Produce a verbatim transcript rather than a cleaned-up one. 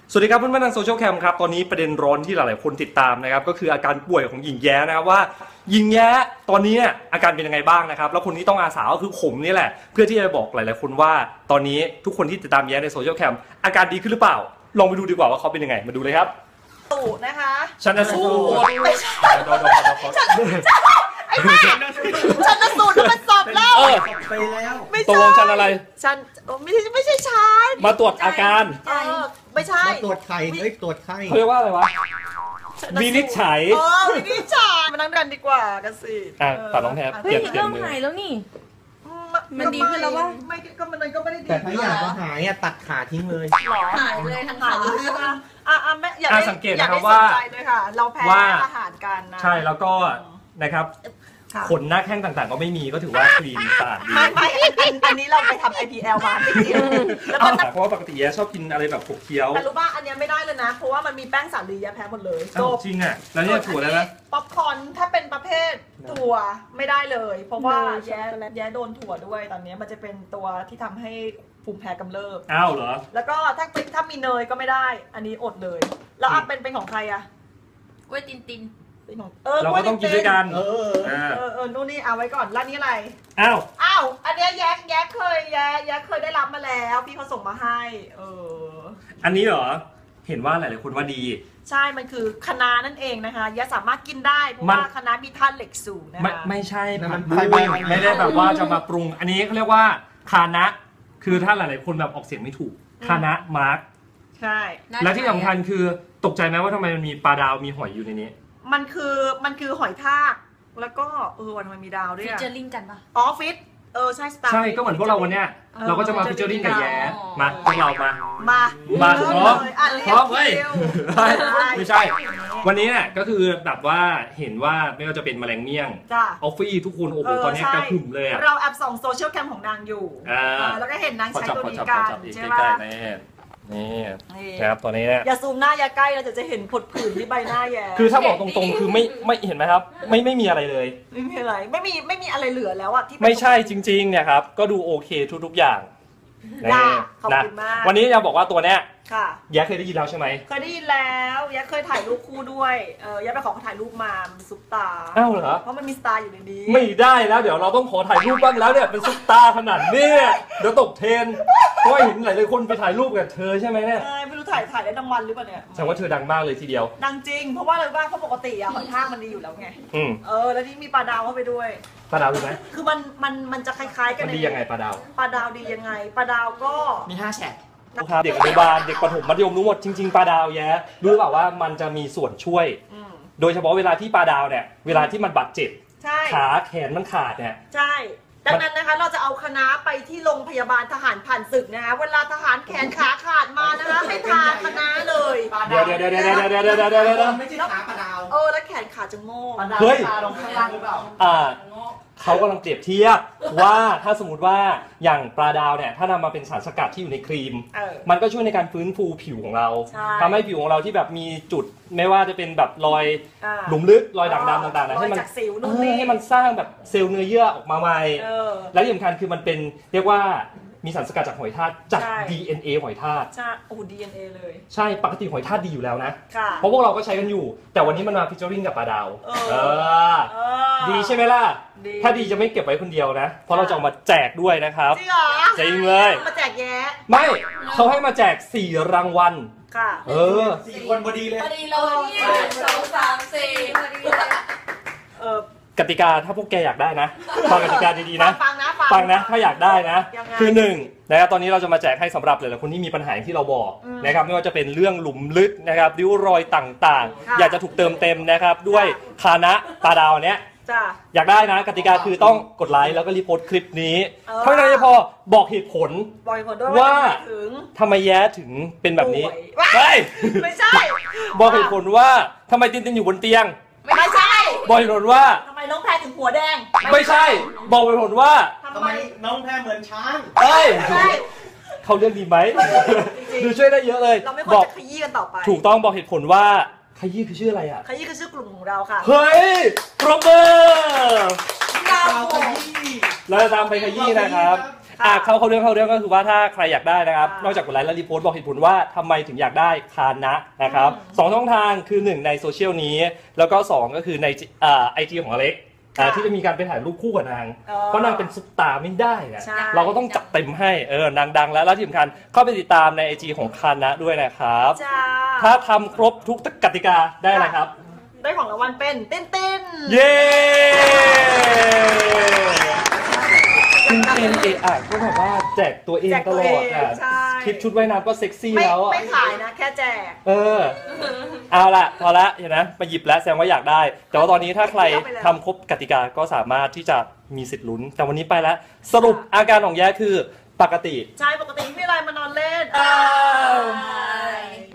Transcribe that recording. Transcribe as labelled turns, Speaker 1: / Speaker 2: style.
Speaker 1: สวัสดีครับเพื่อนๆทางโซเชียลแคมครับตอนนี้ประเด็นร้อนที่หลายๆคนติดตามนะครับก็คืออาการป่วยของหญิงแย้นะครับว่าหญิงแย้ตอนนี้อาการเป็นยังไงบ้างนะครับแล้วคนที่ต้องอาสาก็คือผมนี่แหละเพื่อที่จะบอกหลายๆคนว่าตอนนี้ทุกคนที่ติดตามแย้ในโซเชียลแคมอาการดีขึ้นหรือเปล่าลองไปดูดีกว่าว่าเขาเป็นยังไงมาดูเลยครับ
Speaker 2: ตู่นะคะ
Speaker 1: ชันสูตร
Speaker 2: ไม่ใช่ไอ้แม่ชันสูตรมันสอบแล้ว
Speaker 3: ไปแล้ว
Speaker 1: ไม่ใช่ตกลงชันอะไร
Speaker 2: ชันไม่ใช่ไม่ใช่ชัน
Speaker 1: มาตรวจอาการ
Speaker 2: ไม่ใช่
Speaker 3: มาตรวจไข้เฮ้ยตรวจไข้
Speaker 1: เขาเรียกว่าอะไรวะวินิจฉัย
Speaker 2: เออวินิจฉัยมานั่งกันดีกว่ากันสิ
Speaker 1: อ่ะตัดน้องแทบ
Speaker 4: เฮ้ยเริ่มหายแล้วนี่มันดีขึ้นแล้ววะ
Speaker 2: ไม่ก็มันก็ไม่ได้ดี
Speaker 3: แต่ถ้าอยากจะหายอ่ะตัดขาทิ้งเลย
Speaker 4: หายเลยทั้งขา
Speaker 2: ใช่ปะอ่ะอ่ะแม่อยากได้
Speaker 1: สังเกตนะครับว่า
Speaker 2: เราแพ้อาหารกันนะ
Speaker 1: ใช่แล้วก็นะครับขนหน้าแข้งต่างๆก็ไม่มีก็ถือว่าคลีนสะอาดดี
Speaker 2: ไม่ไม่อันนี้เราไปทำ ไอ พี แอล มาไม่เกี่ยว
Speaker 1: แล้วเพราะว่าปกติแย่ชอบกินอะไรแบบขบเคี้ยว
Speaker 2: แต่รู้ป่ะอันนี้ไม่ได้เลยนะเพราะว่ามันมีแป้งสาลีแย่แพ้หมดเลย
Speaker 1: จริงอ่ะแล้วเนี่ยถั่วแล้วนะ
Speaker 2: ป๊อปคอร์นถ้าเป็นประเภทถั่วไม่ได้เลยเพราะว่าแย่แย่โดนถั่วด้วยตอนนี้มันจะเป็นตัวที่ทำให้ภูมิแพ้กำเริบ
Speaker 1: อ้าวเหรอ
Speaker 2: แล้วก็ถ้าถ้ามีเนยก็ไม่ได้อันนี้อดเลยแล้วอ่ะเป็นเป็นของใครอ่ะ
Speaker 4: กล้วยตินติน
Speaker 1: เราก็ต้องกินด้วยกัน
Speaker 2: เออเออเออนู่นนี่เอาไว้ก่อนแล้วนี่อะไร
Speaker 1: อ้าว
Speaker 2: อ้าวอันนี้แย้แย้เคยแย้แย้เคยได้รับมาแล้วพี่เขาส่งมาให้เออ
Speaker 1: อันนี้เหรอเห็นว่าหลายๆคนว่าดี
Speaker 2: ใช่มันคือคะน้านั่นเองนะคะแย้สามารถกินได้เพราะว่าคะน้ามีธาตุเหล็กสูงนะคะ
Speaker 1: ไม่ไม่ใช่มันไม่ได้แบบว่าจะมาปรุงอันนี้เขาเรียกว่าคานะคือถ้าหลายๆคนแบบออกเสียงไม่ถูกคานะมาร์ก
Speaker 2: ใช่
Speaker 1: และที่สำคัญคือตกใจไหมว่าทำไมมันมีปลาดาวมีหอยอยู่ในนี้
Speaker 2: มันคือมันคือหอยทากแล้วก็เออวันมันมีดาวด้วย
Speaker 4: ฟิชเจอริงกันปะ
Speaker 2: อ๋อฟิตเออใช่สตาร์
Speaker 1: ใช่ก็เหมือนพวกเราวันเนี้ยเราก็จะมาฟิชเจอริงกับแย้มาพวกเรามา
Speaker 2: มา
Speaker 1: มาพร้อมพร้อมเฮ้ยไม่ใช่วันนี้เนี่ยก็คือแบบว่าเห็นว่าไม่ว่าจะเป็นแมลงเมี่ยงออฟฟี่ทุกคนโอ้โหตอนนี้กระหึ่มเลยอะ
Speaker 2: เราแอบส่องโซเชียลแคมของนางอยู่แล้วก็เห็นนางใช้ตัวนี้กันใช่ไหมนี่
Speaker 1: นะครับตัวนี้เนี่ย
Speaker 2: อย่าซูมหน้าอย่าใกล้เราจะจะเห็นผดผื่นที่ใบหน้าแย่
Speaker 1: คือถ้าบอกตรงๆคือไม่ไม่เห็นไหมครับไม่ไม่มีอะไรเลย
Speaker 2: ไม่มีอะไรไม่มีไม่มีอะไรเหลือแล้วอะที่
Speaker 1: ไม่ใช่จริงๆเนี่ยครับก็ดูโอเคทุกๆอย่าง
Speaker 2: นะขอบคุณมาก
Speaker 1: วันนี้จะบอกว่าตัวเนี้ย
Speaker 2: ค่ะ
Speaker 1: แย้เคยได้ยินแล้วใช่ไหม
Speaker 2: เคยได้ยินแล้วแย้เคยถ่ายรูปคู่ด้วยเออแย้ไปขอเขาถ่ายรูปมาซุปตา
Speaker 1: อ้าวเหรอ
Speaker 2: เพราะมันมีสตาร์อยู่ในนี้
Speaker 1: ไม่ได้แล้วเดี๋ยวเราต้องขอถ่ายรูปบ้างแล้วเนี่ยเป็นซุปตาขนาดนี้เดี๋ยวตกเทรนเพราะเห็นหลายๆคนไปถ่ายรูปกับเธอใช่ไหมเนี่ย
Speaker 2: ไม่รู้ถ่ายถ่ายได้รางวัลหรือเปล่าเนี่ย
Speaker 1: แสดงว่าเธอดังมากเลยทีเดียว
Speaker 2: ดังจริงเพราะว่าอะไรบ้างเพราะปกติอะหอยทากมันดีอยู่แล้วไงเออแล้วที่มีปลาดาวเข้าไปด้วย
Speaker 1: ปลาดาวรู้ไหม
Speaker 2: คือมันมันมันจะคล้ายๆกัน
Speaker 1: มันดียังไงปลาดาว
Speaker 2: ปลาดาวดียังไงปลาดาวก็
Speaker 3: มีห้าแฉก
Speaker 1: เด็กอนุบาลเด็กประถมมัธยมรู้หมดจริงๆปลาดาวแย้รู้เปล่าว่ามันจะมีส่วนช่วยโดยเฉพาะเวลาที่ปลาดาวเนี่ยเวลาที่มันบาดเจ็บขาแขนมันขาดเนี่ย
Speaker 2: ใช่ดังนั้นนะคะเราจะเอาคณะไปที่โรงพยาบาลทหารผ่านศึกนะคะเวลาทหารแขนขาขาดมานะคะให้ทาคณะเลย
Speaker 1: เดี๋ยวเดี๋ยวเดี๋ยวเดี๋ยวเดี๋ยวเดี๋ยวเดี๋ยวเดี๋ยวเดี๋ยว
Speaker 3: ไม่ใช่ขาปลาดาว
Speaker 2: เออแล้วแขนขาจะโง่
Speaker 1: เฮ้ยลงข้างล่างหรือเปล่าอ่าเขากำลังเปรียบเทียบว่าถ้าสมมติว่าอย่างปลาดาวเนี่ยถ้านำมาเป็นสารสกัดที่อยู่ในครีมมันก็ช่วยในการฟื้นฟูผิวของเราทำให้ผิวของเราที่แบบมีจุดไม่ว่าจะเป็นแบบรอยหลุมลึกรอยด่างดำต่างๆนะให้มันให้มันสร้างแบบเซลล์เนื้อเยื่อออกมาใหม่และที่สำคัญคือมันเป็นเรียกว่ามีสารสกัดจากหอยทากจาก ดี เอ็น เอ หอยทาก
Speaker 2: ใช่โอ้ ดี เอ็น เอ เลย
Speaker 1: ใช่ปกติหอยทากดีอยู่แล้วนะเพราะพวกเราก็ใช้กันอยู่แต่วันนี้มันมาฟิชเจอริงกับปลาดาวเออดีใช่ไหมล่ะถ้าดีจะไม่เก็บไว้คนเดียวนะเพราะเราจะเอามาแจกด้วยนะครับ
Speaker 2: จริงเหรอ
Speaker 1: จริงเลย
Speaker 2: มาแจกแย่
Speaker 1: ไม่เขาให้มาแจกสี่รางวัล
Speaker 2: ค่ะ
Speaker 1: เออ
Speaker 3: สี่คนพอดีเลย
Speaker 4: พอดีเลยสองสามสี่พอดีเลย
Speaker 2: เออก
Speaker 1: ติกาถ้าพวกแกอยากได้นะฟังกติกาดีๆนะ
Speaker 2: ฟังนะ
Speaker 1: ฟังนะถ้าอยากได้นะคือหนึ่งนะครับตอนนี้เราจะมาแจกให้สำหรับหลายๆคนที่มีปัญหาที่เราบอกนะครับไม่ว่าจะเป็นเรื่องหลุมลึกนะครับริ้วรอยต่างๆอยากจะถูกเติมเต็มนะครับด้วยคานะปลาดาวเนี้ยอยากได้นะกติกาคือต้องกดไลค์แล้วก็รีโพสต์คลิปนี้เท่านั้นไม่พอบอกเหตุผลว่าทำไมแย้ถึงเป็นแบบนี้ไม่
Speaker 2: ไม่ใช่
Speaker 1: บอกเหตุผลว่าทำไมตินตินอยู่บนเตียง
Speaker 2: ไม่ใช่
Speaker 1: บอกเหตุผลว่า
Speaker 2: ทำไมน้องแพรถึงหัวแดง
Speaker 1: ไม่ใช่บอกเหตุผลว่า
Speaker 3: ทำไมน้องแพรเหมือนช้าง
Speaker 1: เอ้ยเขาเรื่องดีไหมดูช่วยได้เยอะเลย
Speaker 2: เราไม่ควรจะขยี้กันต่อไป
Speaker 1: ถูกต้องบอกเหตุผลว่าขยี้คือชื่ออะไรอ่ะ
Speaker 2: ขยี้คือชื่อกลุ่มของเราค่ะ
Speaker 1: เฮ้ยปรบมือเราจะตามไปขยี้นะครับอ่ะเข้าเข้าเรื่องเข้าเรื่องก็คือว่าถ้าใครอยากได้นะครับนอกจากกดไลค์และรีโพสต์บอกเหตุผลว่าทำไมถึงอยากได้คานะนะครับสองช่องทางคือหนึ่งในโซเชียลนี้แล้วก็สองก็คือในอ่าไอจีของอเล็กอ่าที่จะมีการไปถ่ายรูปคู่กับนางเพราะนางเป็นซุปตาร์ไม่ได้อะเราก็ต้องจัดเต็มให้เออนางดังแล้วแล้วที่สำคัญเข้าไปติดตามในไอจีของคานะด้วยนะครับถ้าทำครบทุกกติกาได้อะไรครับ
Speaker 2: ได้ของรางวัลเป็นติ้นติ้น
Speaker 1: เย้ติ้นติ้นเออะก็แบบว่าแจกตัวเองตลอดอ่ะคลิปชุดว่ายน้ำก็เซ็กซี่แล้ว
Speaker 2: ไม่ขายนะแค่แจก
Speaker 1: เออเอาละพอละเห็นนะมาหยิบแล้วแสดงว่าอยากได้แต่ว่าตอนนี้ถ้าใครทำครบกติกาก็สามารถที่จะมีสิทธิ์ลุ้นแต่วันนี้ไปแล้วสรุปอาการของแย้คือปกติ
Speaker 2: ใช่ปกติไม่มีอะไรมานอนเล่น